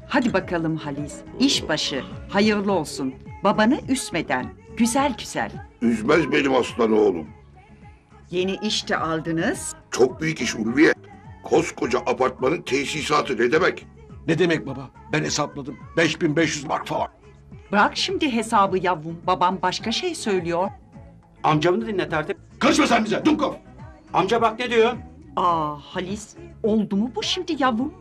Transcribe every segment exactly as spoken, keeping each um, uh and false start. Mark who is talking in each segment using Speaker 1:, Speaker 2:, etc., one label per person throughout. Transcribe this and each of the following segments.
Speaker 1: Hadi bakalım Halis. İşbaşı. Hayırlı olsun. Babanı üzmeden. Güzel güzel.
Speaker 2: Üzmez benim aslan oğlum.
Speaker 1: Yeni iş de aldınız.
Speaker 2: Çok büyük iş Ulviye. Koskoca apartmanın tesisatı ne demek?
Speaker 3: Ne demek baba? Ben hesapladım. beş bin beş yüz mark falan.
Speaker 1: Bırak şimdi hesabı yavrum. Babam başka şey söylüyor.
Speaker 4: Amcamı dinle tertip.
Speaker 3: Karışma sen bize Dumkov.
Speaker 4: Amca bak ne diyor?
Speaker 1: Aa Halis. Oldu mu bu şimdi yavrum?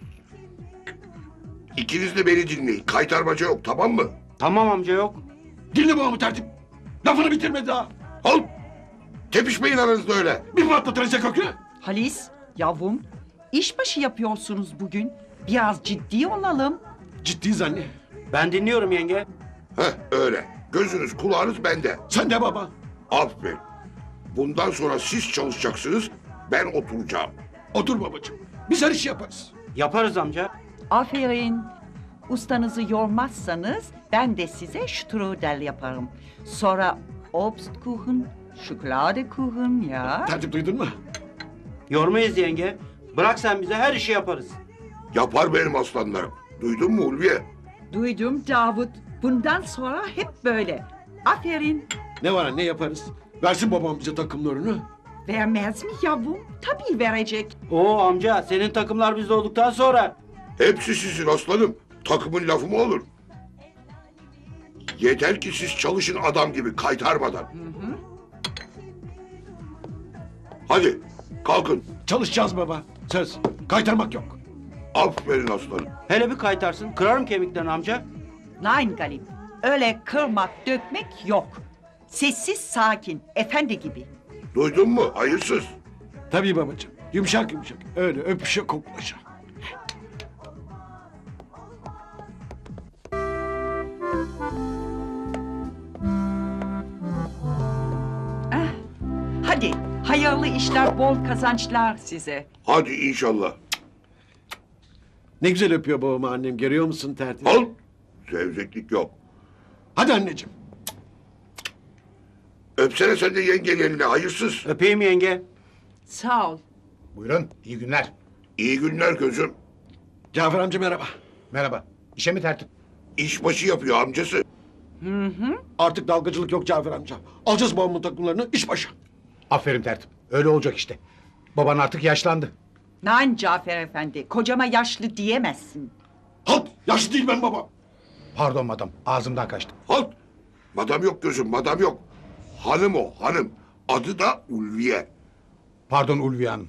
Speaker 2: İkiniz de beni dinleyin. Kaytarmaca yok, tamam mı?
Speaker 4: Tamam amca yok.
Speaker 3: Dinle babamı tertip. Lafını bitirmedi daha.
Speaker 2: Al. Tepişmeyin aranızda öyle.
Speaker 3: Bir patlatırsa kökünü.
Speaker 1: Halis. Yavrum. İşbaşı yapıyorsunuz bugün. Biraz ciddi olalım.
Speaker 3: Ciddiyiz anne.
Speaker 4: Ben dinliyorum yenge.
Speaker 2: Heh, öyle. Gözünüz kulağınız bende.
Speaker 3: Sen de baba.
Speaker 2: Aferin. Bundan sonra siz çalışacaksınız, ben oturacağım.
Speaker 3: Otur babacığım. Biz her işi yaparız.
Speaker 4: Yaparız amca.
Speaker 1: Aferin. Ustanızı yormazsanız ben de size strudel yaparım. Sonra Obstkuchen, Schokoladekuchen ya.
Speaker 3: Tertip duydun mu?
Speaker 4: Yormayız yenge. Bırak sen bize her işi yaparız.
Speaker 2: Yapar benim aslanlarım. Duydun mu Ulviye?
Speaker 1: Duydum Davut. Bundan sonra hep böyle. Aferin.
Speaker 3: Ne var anne yaparız. Versin babam bize takımlarını.
Speaker 1: Vermez mi yavrum? Tabii verecek.
Speaker 4: Oo amca senin takımlar bizde olduktan sonra.
Speaker 2: Hepsi sizin aslanım. Takımın lafı mı olur? Yeter ki siz çalışın adam gibi kaytarmadan. Hadi kalkın.
Speaker 3: Çalışacağız baba. Söz. Kaytarmak yok.
Speaker 2: Aferin aslanım.
Speaker 4: Hele bir kaytarsın kırarım kemiklerini amca.
Speaker 1: Nein Galip. Öyle kırmak, dökmek yok. Sessiz, sakin, efendi gibi.
Speaker 2: Duydun mu? Hayırsız.
Speaker 3: Tabii babacığım. Yumuşak yumuşak. Öyle öpüşe koklaşa.
Speaker 1: Eh, hadi, hayırlı işler, bol kazançlar size.
Speaker 2: Hadi inşallah.
Speaker 3: Ne güzel öpüyor babamı annem. Görüyor musun tertip?
Speaker 2: Al. Zevzeklik yok.
Speaker 3: Hadi anneciğim.
Speaker 2: Öpsene sen de yengenin eline hayırsız.
Speaker 4: Öpeyim yenge.
Speaker 1: Sağ ol.
Speaker 5: Buyurun, iyi günler.
Speaker 2: İyi günler gözüm.
Speaker 3: Cafer amca merhaba.
Speaker 5: Merhaba. İşe mi tertip?
Speaker 2: İşbaşı yapıyor amcası.
Speaker 3: Artık dalgacılık yok Cafer amca. Alacağız babamın takımlarını iş başı.
Speaker 5: Aferin tertip. Öyle olacak işte. Baban artık yaşlandı.
Speaker 1: Nein Cafer Efendi, kocama yaşlı diyemezsin.
Speaker 3: Halt! Yaşlı değil ben baba.
Speaker 5: Pardon madam, ağzımdan kaçtı.
Speaker 2: Halt. Madam yok gözüm, madam yok. Hanım o, hanım. Adı da Ulviye.
Speaker 5: Pardon Ulviye Hanım.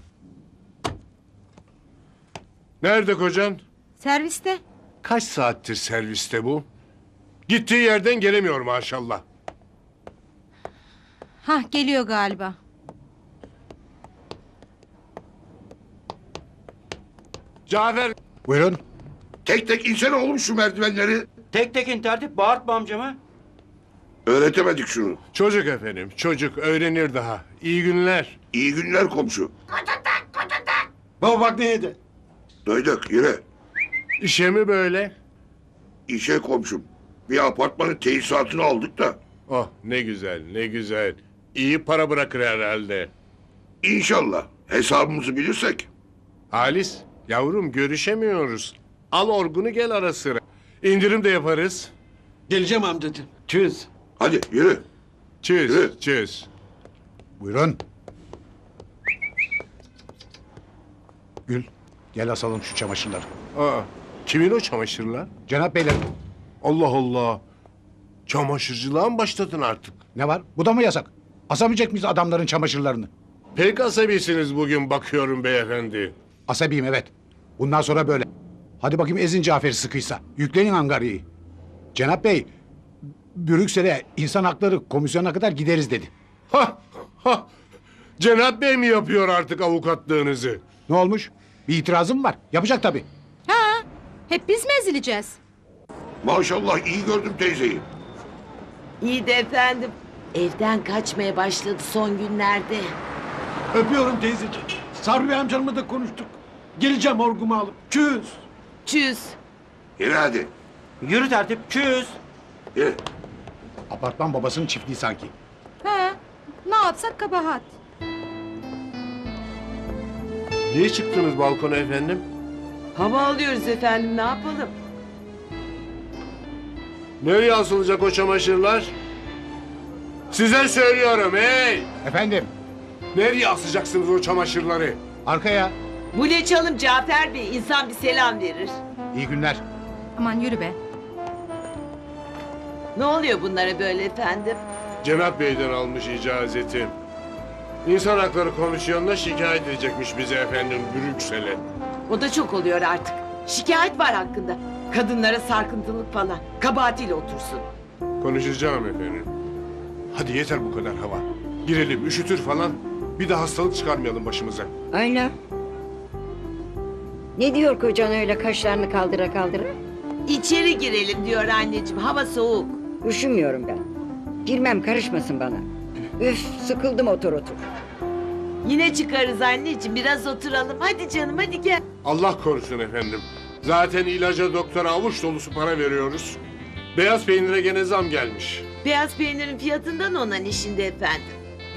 Speaker 6: Nerede kocan?
Speaker 7: Serviste.
Speaker 6: Kaç saattir serviste bu? Gittiği yerden gelemiyor maşallah.
Speaker 7: Hah geliyor galiba.
Speaker 6: Cafer,
Speaker 5: Buyurun.
Speaker 2: Tek tek insene oğlum şu merdivenleri.
Speaker 4: Tek tekin tertip bağırtma amcamı.
Speaker 2: Öğretemedik şunu.
Speaker 6: çocuk efendim, çocuk öğrenir daha. İyi günler.
Speaker 2: İyi günler komşu.
Speaker 3: Baba bak ne yedi.
Speaker 2: Duyduk, yürü.
Speaker 6: İşe mi böyle?
Speaker 2: İşe komşum. Bir apartmanın tesisatını aldık da.
Speaker 6: Oh ne güzel, ne güzel. İyi para bırakır herhalde.
Speaker 2: İnşallah hesabımızı bilirsek.
Speaker 6: Halis, yavrum görüşemiyoruz. Al orgunu gel ara sıra. İndirim de yaparız.
Speaker 3: Geleceğim amcacığım. Çöz.
Speaker 2: Hadi yürü.
Speaker 6: Çöz,
Speaker 2: Evet.
Speaker 6: çöz.
Speaker 5: Buyurun. Gül, gel asalım şu çamaşırları.
Speaker 6: Aa, kimin o çamaşırlar?
Speaker 5: Cenap beyler,
Speaker 6: Allah Allah. Çamaşırcılığa mı başladın artık?
Speaker 5: ne var? Bu da mı yasak? Asamayacak mıyız adamların çamaşırlarını?
Speaker 6: Pek asabisiniz bugün bakıyorum beyefendi.
Speaker 5: Asabiyim evet. Bundan sonra böyle. Hadi bakayım ezin Cafer'i sıkıysa. Yüklenin Angarya'yı. Cenap Bey, Brüksel'e insan hakları komisyonuna kadar gideriz dedi.
Speaker 6: Ha, ha. Cenap Bey mi yapıyor artık avukatlığınızı?
Speaker 5: Ne olmuş? Bir itirazım var. Yapacak tabii.
Speaker 7: Ha, hep biz mi ezileceğiz?
Speaker 2: Maşallah iyi gördüm teyzeyi.
Speaker 8: İyi de efendim. Evden kaçmaya başladı son günlerde.
Speaker 3: Öpüyorum teyzeciğim. Sabri Bey amcamla da konuştuk. Geleceğim orgumu alıp. Çöz.
Speaker 8: Çüz.
Speaker 2: Yürü hadi.
Speaker 4: Yürü tertip çüz.
Speaker 2: Yürü.
Speaker 5: Apartman babasının çiftliği sanki.
Speaker 7: Ha, ne yapsak kabahat.
Speaker 6: Niye çıktınız balkona efendim?
Speaker 8: Hava alıyoruz efendim ne yapalım?
Speaker 6: Nereye asılacak o çamaşırlar? Size söylüyorum hey!
Speaker 5: Efendim
Speaker 6: Nereye asacaksınız o çamaşırları?
Speaker 5: arkaya.
Speaker 8: Bu ne çalım Cafer Bey? İnsan bir selam verir.
Speaker 5: İyi günler.
Speaker 7: Aman yürü be.
Speaker 8: Ne oluyor bunlara böyle efendim?
Speaker 6: Cenap Bey'den almış icazeti. İnsan Hakları Komisyonu'na şikayet edecekmiş bize efendim Brüksel'e.
Speaker 8: O da çok oluyor artık. Şikayet var hakkında. Kadınlara sarkıntılık falan. Kabahatiyle otursun.
Speaker 6: Konuşacağım efendim. Hadi yeter bu kadar hava. Girelim üşütür falan. Bir de hastalık çıkarmayalım başımıza.
Speaker 9: Ayla. Ne diyor kocan öyle kaşlarını kaldıra kaldıra?
Speaker 8: İçeri girelim diyor anneciğim. Hava soğuk.
Speaker 9: Üşümüyorum ben. Girmem karışmasın bana. Üf sıkıldım otur otur.
Speaker 8: Yine çıkarız anneciğim. Biraz oturalım. Hadi canım hadi gel.
Speaker 6: Allah korusun efendim. Zaten ilaca doktora avuç dolusu para veriyoruz. Beyaz peynire gene zam gelmiş.
Speaker 8: Beyaz peynirin fiyatından olan işinde efendim.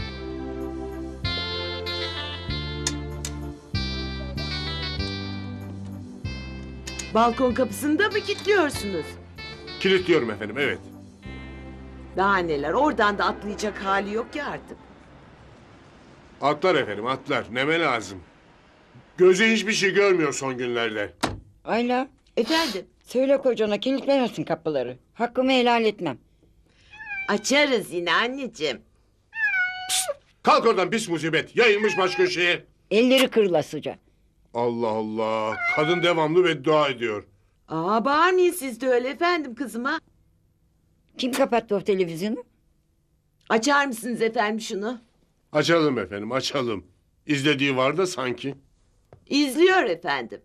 Speaker 8: Balkon kapısını da mı kilitliyorsunuz?
Speaker 6: Kilitliyorum efendim evet.
Speaker 8: Daha neler oradan da atlayacak hali yok ya artık.
Speaker 6: Atlar efendim atlar. Neme lazım. Gözü hiçbir şey görmüyor son günlerde.
Speaker 9: Ayla
Speaker 8: Efendim
Speaker 9: söyle kocana kilitlemesin kapıları. Hakkımı helal etmem.
Speaker 8: açarız yine anneciğim.
Speaker 6: Kalk oradan pis musibet. Yayılmış baş köşeye.
Speaker 9: Elleri kırılasıca.
Speaker 6: Allah Allah. Kadın devamlı beddua ediyor.
Speaker 8: Aa bağırmayın siz de öyle efendim kızıma.
Speaker 9: Kim kapattı o televizyonu?
Speaker 8: Açar mısınız efendim şunu?
Speaker 6: Açalım efendim açalım. İzlediği var da sanki.
Speaker 8: İzliyor efendim.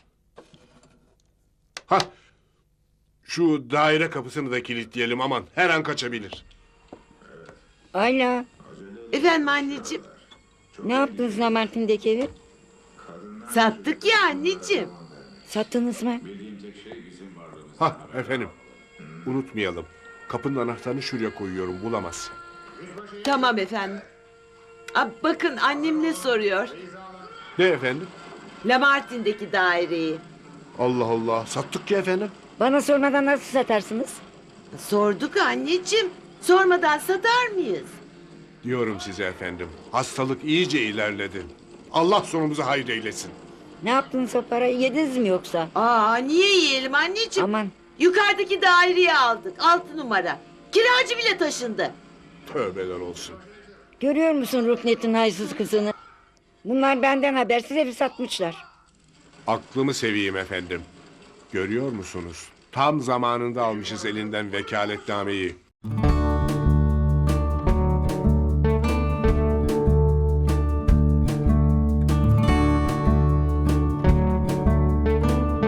Speaker 6: Hah. Şu daire kapısını da kilitleyelim aman. Her an kaçabilir.
Speaker 9: Ayla
Speaker 8: Efendim anneciğim.
Speaker 9: ne yaptınız Lamartin'deki evi?
Speaker 8: Sattık ya anneciğim.
Speaker 9: Sattınız mı?
Speaker 6: Hah efendim. Unutmayalım. Kapının anahtarını şuraya koyuyorum bulamaz.
Speaker 8: Tamam efendim. Aa, bakın annem ne soruyor?
Speaker 6: Ne efendim?
Speaker 8: Lamartin'deki daireyi.
Speaker 6: Allah Allah. Sattık ki efendim.
Speaker 9: Bana sormadan nasıl satarsınız?
Speaker 8: Sorduk anneciğim. Sormadan satar mıyız?
Speaker 6: Diyorum size efendim. Hastalık iyice ilerledi. Allah sonumuzu hayır eylesin.
Speaker 9: Ne yaptınız o parayı yediniz mi yoksa?
Speaker 8: Aa niye yiyelim anneciğim?
Speaker 9: Aman
Speaker 8: Yukarıdaki daireyi aldık. Altı numara. Kiracı bile taşındı.
Speaker 6: Tövbeler olsun.
Speaker 9: görüyor musun Ruknet'in haysız kızını? Bunlar benden habersiz evi satmışlar.
Speaker 6: Aklımı seveyim efendim. Görüyor musunuz? Tam zamanında almışız elinden vekaletnameyi.